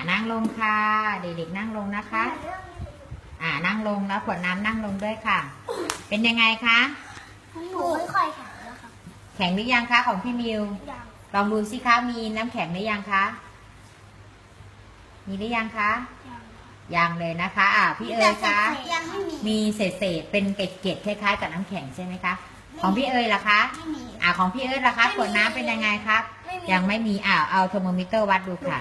นั่งลงค่ะ เด็กๆนั่งลงนะคะ นั่งลงแล้วขวดน้ำนั่งลงด้วยค่ะ เป็นยังไงคะหนูไม่ค่อยแข็งแล้วค่ะแข็งหรือยังคะของพี่มิวยังลองดูสิคะ มีน้ำแข็งหรือยังคะ มีหรือยังคะ ยังเลยนะคะ พี่เอ๋ยคะยังไม่มีมีเศษเป็นเกล็ดๆคล้ายๆกับน้ำแข็งใช่ไหมคะ ของพี่เอ๋ยล่ะคะไม่มีของพี่เอ๋ยล่ะคะขวดน้ำเป็นยังไงครับ ยังไม่มีเอาเทอร์โมมิเตอร์วัดดูค่ะ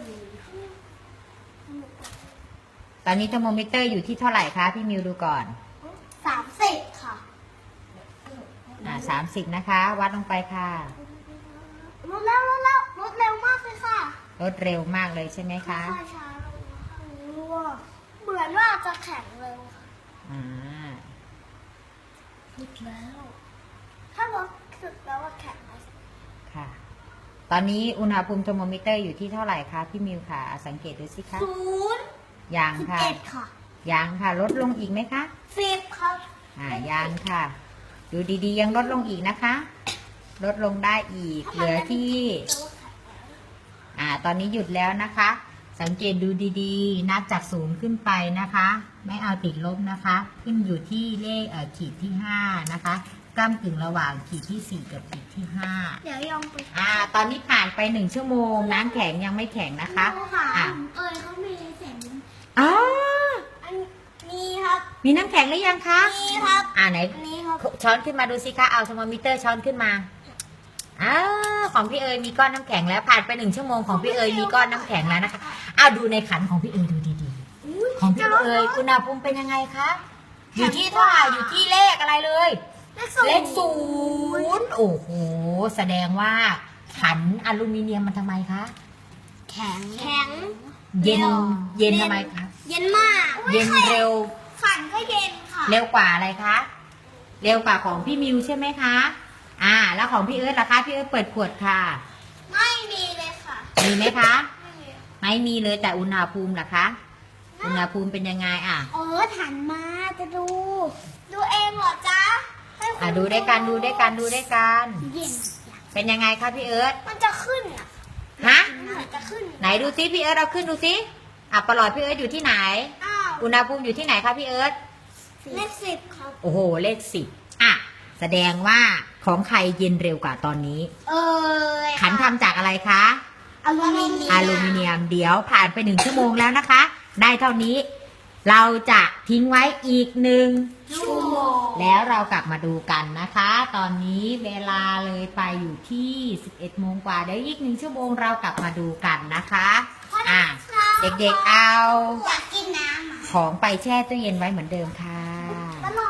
ตอนนี้เทอร์โมมิเตอร์อยู่ที่เท่าไหร่คะพี่มิวดูก่อน 30 ค่ะ 30นะคะ วัดลงไปค่ะลดแล้วลดเร็วมากเลยค่ะลดเร็วมากเลยใช่ไหมคะค่อยๆช้าลงนะคะเหมือนว่าจะแข็งเร็วค่ะอ่าลดแล้ว ถ้าลดสุดแล้วว่าแข็งไหมค่ะ ตอนนี้อุณหภูมิเทอร์โมมิเตอร์อยู่ที่เท่าไหร่คะพี่มิวค่ะ สังเกตดูสิคะ 0 ยังค่ะ 11ค่ะยังค่ะ ลดลงอีกไหมคะ 10ครับยังค่ะ ดูดีๆยังลดลงอีกนะคะ ลดลงได้อีก เหลือที่ ตอนนี้หยุดแล้วนะคะ สังเกตดูดีๆ นับจาก0ขึ้นไปนะคะ ไม่เอาติดลบนะคะ ขึ้นอยู่ที่เลขขีดที่5นะคะก้ำกึ่งระหว่างขีดที่4กับขีดที่5 เดี๋ยวยองไปตอนนี้ผ่านไป1ชั่วโมง น้ำแข็งยังไม่แข็งนะคะเขามีเสียงอ๋ออันนี้ครับมีน้ำแข็งหรือยังคะนี่ครับไหนนี่ครับช้อนขึ้นมาดูสิคะ เอาเทอร์โมมิเตอร์ช้อนขึ้นมาของพี่เอ๋ยมีก้อนน้ำแข็งแล้วผ่านไป1ชั่วโมงของพี่เอ๋ยมีก้อนน้ำแข็งแล้วนะคะดูในขันของพี่เอ๋ยดูดีๆของพี่เอ๋ยอุณหภูมิเป็นยังไงคะอยู่ที่เท่าไหร่อยู่ที่เลขอะไรเลย เลข0โอ้โหแสดงว่าขันอลูมิเนียมมันทำไมคะแข็งเย็นทำไมคะเย็นมากเย็นเร็วฝันก็เย็นค่ะเร็วกว่าอะไรคะเร็วกว่าของพี่มิวใช่ไหมคะแล้วของพี่เอิร์ธล่ะคะพี่เอิร์ธเปิดขวดค่ะไม่มีเลยค่ะมีไหมคะไม่มีไม่มีเลยแต่อุณหภูมิล่ะคะอุณหภูมิเป็นยังไงหันมาจะดู ดูเองเหรอจ๊ะให้คุณดูด้วยกันดูด้วยกันดูด้วยกันเย็นเป็นยังไงคะพี่เอิร์ธมันจะขึ้นอ่ะฮะมันจะขึ้นไหนดูซิพี่เอิร์ธเอาขึ้นดูซิประหลอดพี่เอิร์ธอยู่ที่ไหนอ้าวอุณหภูมิอยู่ที่ไหนคะพี่เอิร์ธเลข10ครับโอ้โหเลข10แสดงว่าของใครเย็นเร็วกว่าตอนนี้ ขันทำจากอะไรคะอลูมิเนียมอลูมิเนียมเดี๋ยวผ่านไป1ชั่วโมงแล้วนะคะ ได้เท่านี้ เราจะทิ้งไว้อีกชั่วโมงแล้วเรากลับมาดูกันนะคะ ตอนนี้เวลาเลยไปอยู่ที่11โมงกว่าเดี๋ยวอีก1ชั่วโมงเรากลับมาดูกันนะคะเด็กๆเอาอยากกินน้ำของไปแช่ตู้เย็นไว้เหมือนเดิมค่ะ